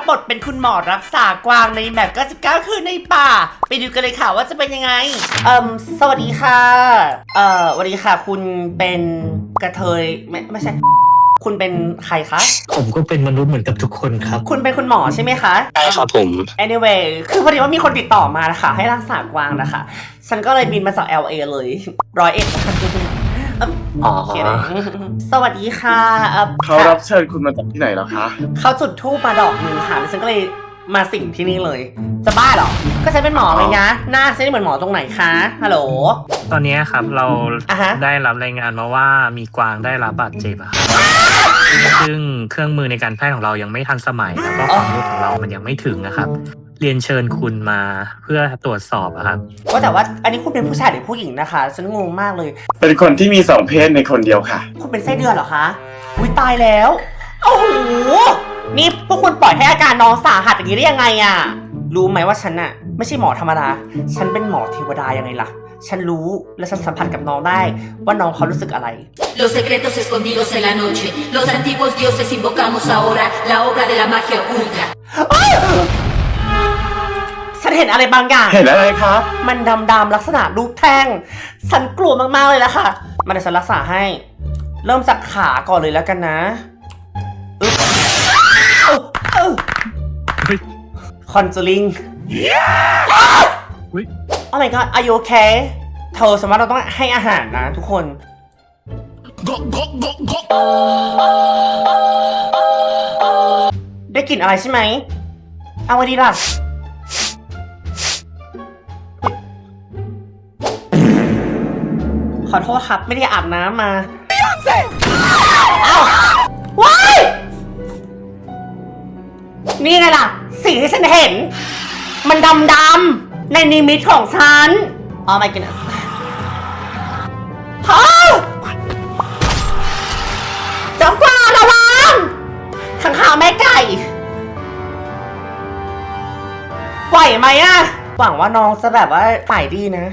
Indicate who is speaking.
Speaker 1: บบทเป็นคุณหมอรักษากวางในแบบ99คืนในป่าไปดูกันเลยค่ะว่าจะเป็นยังไงสวัสดีค่ะสวัสดีค่ะคุณเป็นกระเทยไม่ใช่คุณเป็นใครคะ
Speaker 2: ผมก็เป็นมนุษย์เหมือนกับทุกคนครับ
Speaker 1: คุณเป็นคุณหมอใช่ไหมคะ
Speaker 2: ใช่ครับผม
Speaker 1: anyway คือพอดีว่ามีคนติดต่อมานะคะให้รักษากวางนะคะฉันก็เลยบินมาจาก LA เลย101สวัสดีค่ะ
Speaker 3: เขารับเชิญคุณมาจากที่ไหนแล้วคะ
Speaker 1: เขาจุดธูปมาดอกหนึ่งค่ะแล้วฉันก็เลยมาสิ่งที่นี่เลยจะบ้าเหรอก็ฉันเป็นหมอไงนะหน้าฉันเหมือนหมอตรงไหนคะฮัลโหล
Speaker 2: ตอนนี้ครับเรา
Speaker 1: ฮะ
Speaker 2: ได้รับรายงานมาว่ามีกวางได้รับบาดเจ็บอะครับซึ่งเครื่องมือในการแพทย์ของเรายังไม่ทันสมัยแล้วก็ความรู้ของเรามันยังไม่ถึงนะครับเรียนเชิญคุณมาเพื่อตรวจสอบอะครับ
Speaker 1: ว่าแต่ว่าอันนี้คุณเป็นผู้ชายหรือผู้หญิงนะคะฉันงงมากเลย
Speaker 3: เป็นคนที่มี2เพศในคนเดียวค่ะ
Speaker 1: คุณเป็นไส้เดือนเหรอคะอุ้ยตายแล้วโอ้โหนี่พวกคุณปล่อยให้อาการน้องสาหัสอย่างนี้ได้ยังไงอะรู้ไหมว่าฉันอะไม่ใช่หมอธรรมดาฉันเป็นหมอเทวดายังไงล่ะฉันรู้และฉันสัมผัสกับน้องได้ว่าน้องเขารู้สึกอะไร
Speaker 4: Los secretos escondidos en la noche Los antiguos dioses invocamos ahora La obra de la magia oculta
Speaker 1: ฉันเห็นอะไรบางอย่าง
Speaker 3: เห็นอะไรครับ
Speaker 1: มันดำๆลักษณะรูปแท่งฉันกลัวมากๆเลยละค่ะมันจะฉันรักษาให้เริ่มจากขาก่อนเลยแล้วกันนะคอนจูริงOh my god are you okay เธอสมมติเราต้องให้อาหารนะทุกคนได้กลิ่นอะไรใช่ไหมเอาไว้ดีล่ะขอโทษครับไม่ได้อาบน้ำมาอ้าวว้ายนี่ไงล่ะสิ่งที่ฉันเห็นมันดำๆในนิมิตของฉันOh my goodness จ้ากวางระวังขังข่าวแม่ไก่ไหวไหมอะหวังว่าน้องจะแบบว่าหายดีนะ